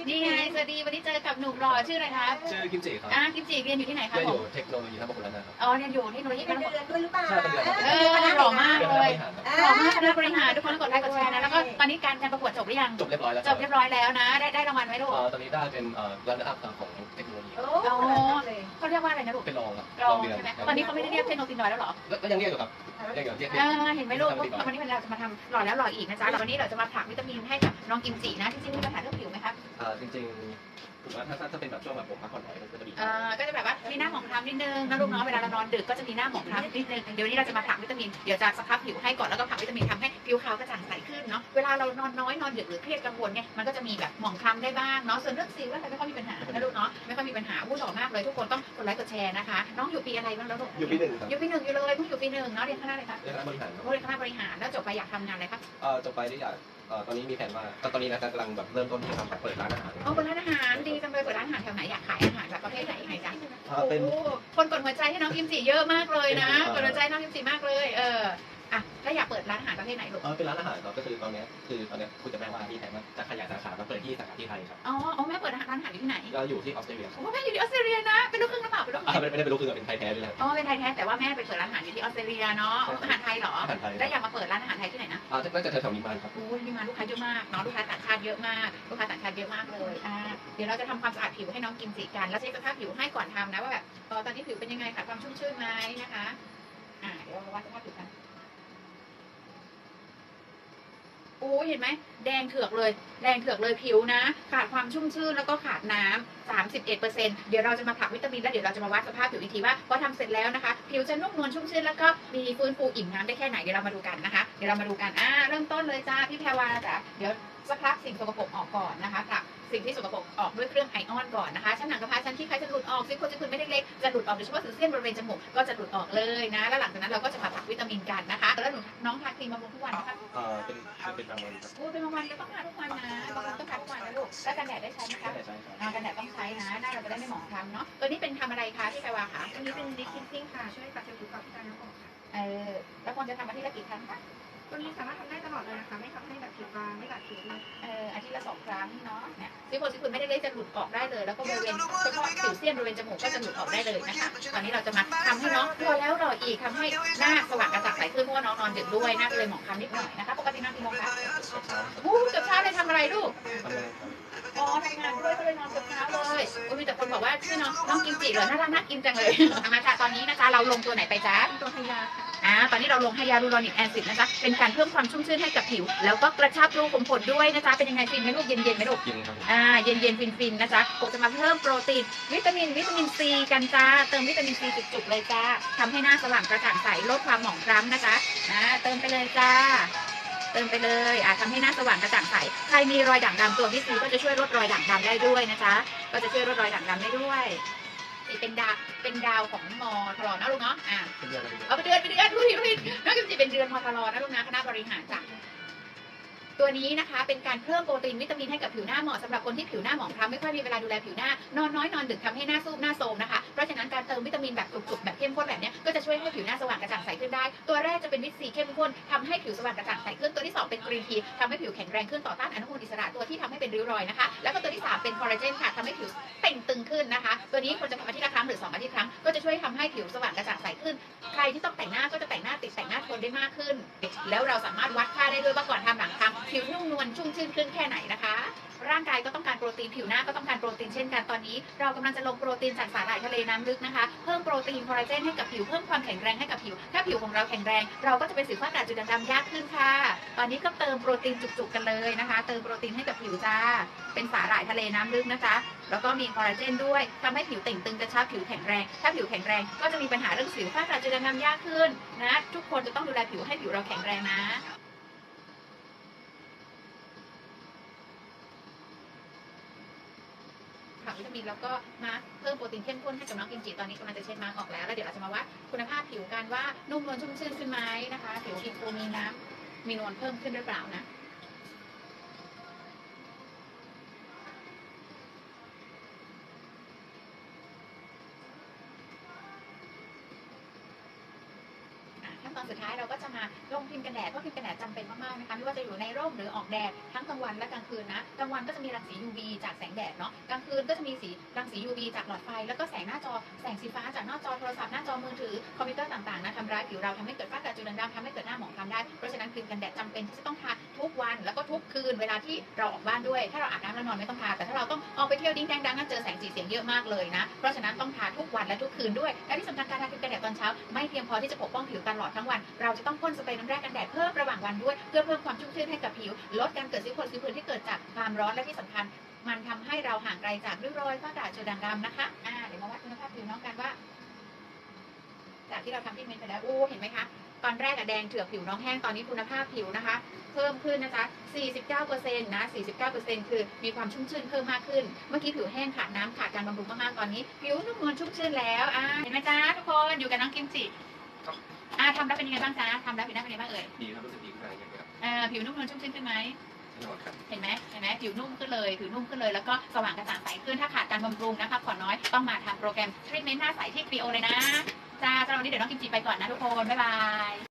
นี่ไงสวัสดีวันนี้เจอกับหนุ่มหล่อชื่ออะไรครับชื่อกิมจิครับกิมจิเรียนอยู่ที่ไหนครับเรียนอผมยู่เทคโนโลยีท่าพระคุณแล้วนะครับเรียนอยู่เทคโนโลยีเป็นเดือนด้วยหรือเปล่าใช่เป็นเดือนหล่อมากเลยเรียนคณะบริหารครับหล่อมากคณะบริหารทุกคนกดไลค์กดแชร์นะแล้วก็ตอนนี้การประกวดจบหรือยังจบเรียบร้อยแล้วจบเรียบร้อยแล้วนะได้รางวัลไหมลูกตอนนี้ได้เป็นรันอัพของเทคโนโลยีโอ้เขาเรียกว่าอะไรนะลูกเป็นรองครับรองเดือนใช่ไหมตอนนี้เขาไม่ได้เรียกเทคโนโลยีน้อยแล้วหรอก็ยังเรียกอยู่ครับเรียกอยู่เรียกเห็นไหมลูกวันนี้เราจะมาทำหล่อแล้วหล่ออีกนะจ๊ะแล้ววันนี้เราจะมาผลักวิตามินให้กับน้องกิมจินะจริงๆมีปัญหาเรื่องผิวไหมครับจริงๆผมว่าถ้าเป็นแบบช่วงแบบผมพักผ่อนน้อยก็จะดีก็จะแบบว่ามีหน้าหมองคล้ำนิดนึงนะลูกเนาะเวลาเรานอนดึกก็จะมีหน้าหมองคล้ำนิดนึงเดี๋ยววันนี้เราจะมาผลักวิตามินเดี๋ยวจะสครับผิวให้ก่อนแล้วก็ผลักวิตามินทำให้ผิวขาวกระจ่างใสขึ้นเนาะเวลาเรานอนน้อยนอนดึกหรือเครียดกังวลเนี่ยมันก็จะมีแบบหมองคล้ำได้บ้างเนาะส่วนเรื่องสิวอะไรไม่ค่อยมีปัญหานะลูกเนาะไม่ค่อยมีปัญหาหล่อมากเลยทุกคนต้องกดไลค์กดแชร์นะคะน้องอยู่ปีอะไรบ้างแล้วลูกอยู่ปี 1ครับอยู่ปี 1อยู่เลยเพิ่งอยู่ปี 1เนาะเรียนคณะอะไรครับเรียนคณะบริหารครับเรียนคณะบริหารแล้วจบไปอยากทำงานอะไรครับจบไปที่อยากตอนนี้มีแผนว่าตอนนี้นะกำลังแบบเริ่มต้นที่ทำเปิดร้านอาหารเปิดร้านอาหารดีจังเลยเปิดร้านอาหารแถวไหนอยากขายอาหารแบบประเภทไหนยังไงจ๊ะเป็นคนกดหัวใจให้น้องกิมจิเยอะมากเลยนะกดหัวใจน้องกิมจิมากเลยถ้าอยากเปิดร้านอาหารประเภทไหนลูกเป็นร้านอาหารครับก็คือตอนนี้คุยกับแม่ว่ามีแผนว่าจะขยายสาขามาเปิดที่สาขาที่ไทยครับแม่เปิดร้านอาหารอยู่ที่ไหนก็อยู่ที่ออสเตรเลียแม่อยู่ที่ออสเตรเลียนะเป็นลูกครึ่งหรือเปล่าเป็นลูกไม่ได้เป็นลูกครึ่งเป็นไทยแท้ด้วยนะเป็นไทยแท้แต่ว่าแม่ไปเปิดร้านอาหารอยู่ที่ออสเตรเลียเนาะอาหารไทยเหรออาหารไทยแล้วอยากมาเปิดร้านอาหารไทยที่ไหนนะน่าจะแถวๆนิมานครับนิมานลูกค้าเยอะมากเนาะลูกค้าต่างชาติเยอะมากลูกค้าต่างชาติเยอะมากเลยเดี๋ยวเราจะทำความสะอาดผิวให้น้องกิมจิกันแล้วเช็คสภาพผิวให้ก่อนทำนะว่าแบบตอนนี้ผิวเป็นยังไงขาดความชุ่มชื้นไหมนะคะเดี๋ยวเราวัดสภาพผิวกันเห็นไหมแดงเถือกเลยผิวนะขาดความชุ่มชื้นแล้วก็ขาดน้ำ31%เดี๋ยวเราจะมาผลักวิตามินแล้วเดี๋ยวเราจะมาวัดสภาพผิวอีกทีว่าพอทำเสร็จแล้วนะคะผิวจะนุ่มนวลชุ่มชื้นแล้วก็มีฟื้นฟูอิ่มน้ำได้แค่ไหนเดี๋ยวเรามาดูกันนะคะเดี๋ยวเรามาดูกันเริ่มต้นเลยจ้าพี่แพรวาจ้ะเดี๋ยวสักพักสิ่งสกปรกออกก่อนนะคะผลักสิ่งที่สกปรกออกด้วยเครื่องไอออนก่อนนะคะชั้นหนังกระพร้าชั้นที่ใครจะหลุดออกซิลิโคนจะคุณไม่เล็กๆจะหลุดออกโดยเฉพาะสิวเส้นบริเวณจมูกก็จะหลุดออกเลยนะแล้วหลังจากนั้นเราก็จะมาผลักวิตามินกันนะคะแล้วน้องทาครีมบำรุงทุกวันนะคะเป็นบางวันครับเป็นบางวันก็ต้องทาทุกวันนะบางวันต้องทาทุกวันนะลูกแล้วกันแดดได้ใช้ไหมคะกันแดดต้องใช้นะหน้าเราจะได้ไม่หมองคล้ำเนาะตัวนี้เป็นทำอะไรคะพี่แพรวาคะอันนี้เป็นดิคินซิ่งค่ะช่วยปัดผิวกับการน้ำออกค่ะแล้วควรจะทำอาทิตย์ละกี่ครั้งคะตัวนี้สามารถทำได้ตลอดเลยนะคะไม่ทำให้แบบผิวบางไม่กัดผิวเลยอาทิตย์ละ2 ครั้งเนาะเนี่ยซิลิโคนไม่ได้เล็กจะหลุดออกได้เลยแล้วก็บริเวณเฉพาะสิวเสี้ยนบริเวณจมูกก็จะหลุดออกได้เลยนะคะตอนนี้เราจะมาทำให้น้องรอแล้วรออีกทำให้หน้าสว่างกระจ่างใสขึ้นเพราะว่าน้องนอนดึกด้วยหน้าเลยหมองคล้ำนิดหน่อยนะคะปกตินอนกี่โมงคะเกือบเช้าเลยทำอะไรลูกทำงานด้วยก็เลยนอนเกือบเช้าเลยมีแต่คนบอกว่าชื่อน้องกิมจิเหรอน่ารักน่ากินจังเลยมาค่ะตอนนี้นะคะเราลงตัวไหนไปจ๊ะตัวไฮยาตอนนี้เราลงไฮยาลูรอนิกแอซิดนะจ๊ะเป็นการเพิ่มความชุ่มชื้นให้กับผิวแล้วก็กระชับรูขุมขนด้วยนะจ๊ะเป็นยังไงฟินไหมลูกเย็นไหมลูกกินครับเย็นฟินนะจ๊ะผมจะมาเพิ่มโปรตีนวิตามินซีกันจ้าเติมวิตามินซีจุกๆเลยจ้าทำให้หน้าสว่างกระจ่างใสลดความหมองคล้ำนะจ๊ะเติมไปเลยจ้าเติมไปเลยทำให้หน้าสว่างกระจ่างใสใครมีรอยด่างดำตัววิตามินก็จะช่วยลดรอยด่างดำได้ด้วยนะจ๊ะก็จะช่วยลดรอยด่างดำได้ด้วยเป็นดาวของมอทรนะลูกเนาะเอาไปเดือนดูดิน้องกิมจิเป็นเดือนมอทรนะลูกนะคณะบริหารจ้ะตัวนี้นะคะเป็นการเพิ่มโปรตีนวิตามินให้กับผิวหน้าเหมาะสำหรับคนที่ผิวหน้าหมองคล้ำไม่ค่อยมีเวลาดูแลผิวหน้านอนน้อยนอนดึกทำให้หน้าซูบหน้าโทรมนะคะเพราะฉะนั้นการเติมวิตามินแบบจุกๆแบบเข้มข้นแบบนี้ก็จะช่วยให้ผิวหน้าสว่างกระจ่างใสขึ้นได้ตัวแรกจะเป็นวิตซีเข้มข้นทำให้ผิวสว่างกระจ่างใสขึ้นตัวที่2เป็นกรีนทีทำให้ผิวแข็งแรงขึ้นต่อต้านอนุมูลอิสระตัวที่ทำให้เป็นริ้วรอยนะคะแล้วก็ตัวที่3เป็นคอลลาเจนค่ะทำให้ผิวเต่งตึงขึ้นนะคะตัวนี้ควรจะทำอาทิตย์ละครั้งหรือ2 อาทิตย์ครั้งก็จะช่วยทำให้ผิวสว่างกระจ่างใสขึ้นใครที่ต้องแต่งหน้าก็จะแต่งหน้าติดแต่งหน้าทนได้มากขึ้นแล้วเราสามารถวัดค่าได้ด้วยว่าก่อนทำหลังทำผิวนุ่มนวลชุ่มชื่นขึ้นแค่ไหนนะคะร่างกายก็ต้องการโปรตีนผิวหน้าก็ต้องการโปรตีนเช่นกันตอนนี้เรากำลังจะลงโปรตีนจากสาหร่ายทะเลน้ำลึกนะคะเพิ่มโปรตีนคอลลาเจนให้กับผิวเพิ่มความแข็งแรงให้กับผิวถ้าผิวของเราแข็งแรงเราก็จะเป็นสิวฝ้ากระจุดด่างๆยากขึ้นค่ะตอนนี้ก็เติมโปรตีนจุกๆกันเลยนะคะเติมโปรตีนให้กับผิวจ้าเป็นสาหร่ายทะเลน้ำลึกนะคะแล้วก็มีคอลลาเจนด้วยทำให้ผิวเต่งตึงกระชับผิวแข็งแรงถ้าผิวแข็งแรงก็จะมีปัญหาเรื่องสิวฝ้ากระจุดด่างๆยากขึ้นนะทุกคนจะต้องดูแลผิวให้ผิวเราแข็งแรงนะผักวิตามินแล้วก็มาเพิ่มโปรตีนเข้มข้นให้กับน้องกิมจิตอนนี้กำลังจะเช็ดมาร์กออกแล้วเดี๋ยวเราจะมาวัดคุณภาพผิวกันว่านุ่มนวลชุ่มชื้นขึ้นไหมนะคะผิวฟูมีน้ำมีนวลเพิ่มขึ้นหรือเปล่านะถ้าตอนสุดท้ายเราก็จะมาลงครีมกันแดดเพราะครีมกันแดดจำเป็นมากๆนะคะไม่ว่าจะอยู่ในร่มหรือออกแดดทั้งกลางวันและกลางคืนนะกลางวันก็จะมีรังสี UV จากแสงแดดเนาะกลางคืนก็จะมีรังสี UV จากหลอดไฟแล้วก็แสงหน้าจอแสงสีฟ้าจากหน้าจอโทรศัพท์หน้าจอมือถือคอมพิวเตอร์ต่างๆนะทำร้ายผิวเราทำให้เกิดฝ้ากระจุดด่างดำทำให้เกิดหน้าหมองคล้ำได้เพราะฉะนั้นครีมกันแดดจำเป็นที่จะต้องทาทุกวันแล้วก็ทุกคืนเวลาที่เราออกบ้านด้วยถ้าเราอาบน้ำแล้วนอนไม่ต้องทาแต่ถ้าเราต้องออกไปเที่ยวดิ้งแดงดังนั้นเจอแสงสีเสียงเยอะมากเลยนะเพราะฉะนั้นต้องทาทุกวันและทุกคืนด้วยและที่สำคัญการทาครีมกันแดดตอนเช้าไม่เพียงพอที่จะปกป้องผิวตลอดทั้งวันเราจะต้องพ่นสเปรย์น้ำแร่กันแดดเพิ่มระหว่างวันด้วยเพื่อเพิ่มความชุ่มชื้นให้กับผิวลดการเกิดสิวผดสิวผื่นที่เกิดจากความร้อนและที่สำคัญมันทำให้เราห่างไกลจากริ้วรอยฝ้ากระจุดด่างดำนะคะเดี๋ยวมาวัดคุณภาพผิวน้องกันว่าจากที่เราทำที่เมนไปแล้วเห็นไหมคะตอนแรกแดงเถือกผิวน้องแห้งตอนนี้คุณภาพผิวนะคะเพิ่มขึ้นนะจ๊ะ 49% นะ 49% คือมีความชุ่มชื้นเพิ่มมากขึ้นเมื่อกี้ผิวแห้งขาดน้ำขาดการบำรุงมากๆตอนนี้ผิวนุ่มนวลชุ่มชื้นแล้วเห็นไหมจ๊ะทุกคนอยู่กับน้องกิมจิทำแล้วเป็นยังไงบ้างจ๊ะทำแล้วผิวหน้าเป็นยังไงบ้างเอ่ยดีครับรู้สึกดีขึ้นอะไรอย่างเงี้ยครับผิวนุ่มนวลชุ่มชื้นขึ้นไหมแน่นอนครับเห็นไหมผิวนุ่มขึ้นเลยแล้วก็สว่างกระจ่างใสขึ้นถ้าขาดการบำรุงนะคะผ่อนน้อยต้องมาทำโปรแกรมทรีทเมนต์หน้าใสที่ครีโอเลยนะจ้าสำหรับวันนี้เดี๋ยวน้องกิมจิไปก่อนนะทุกคนบ๊ายบาย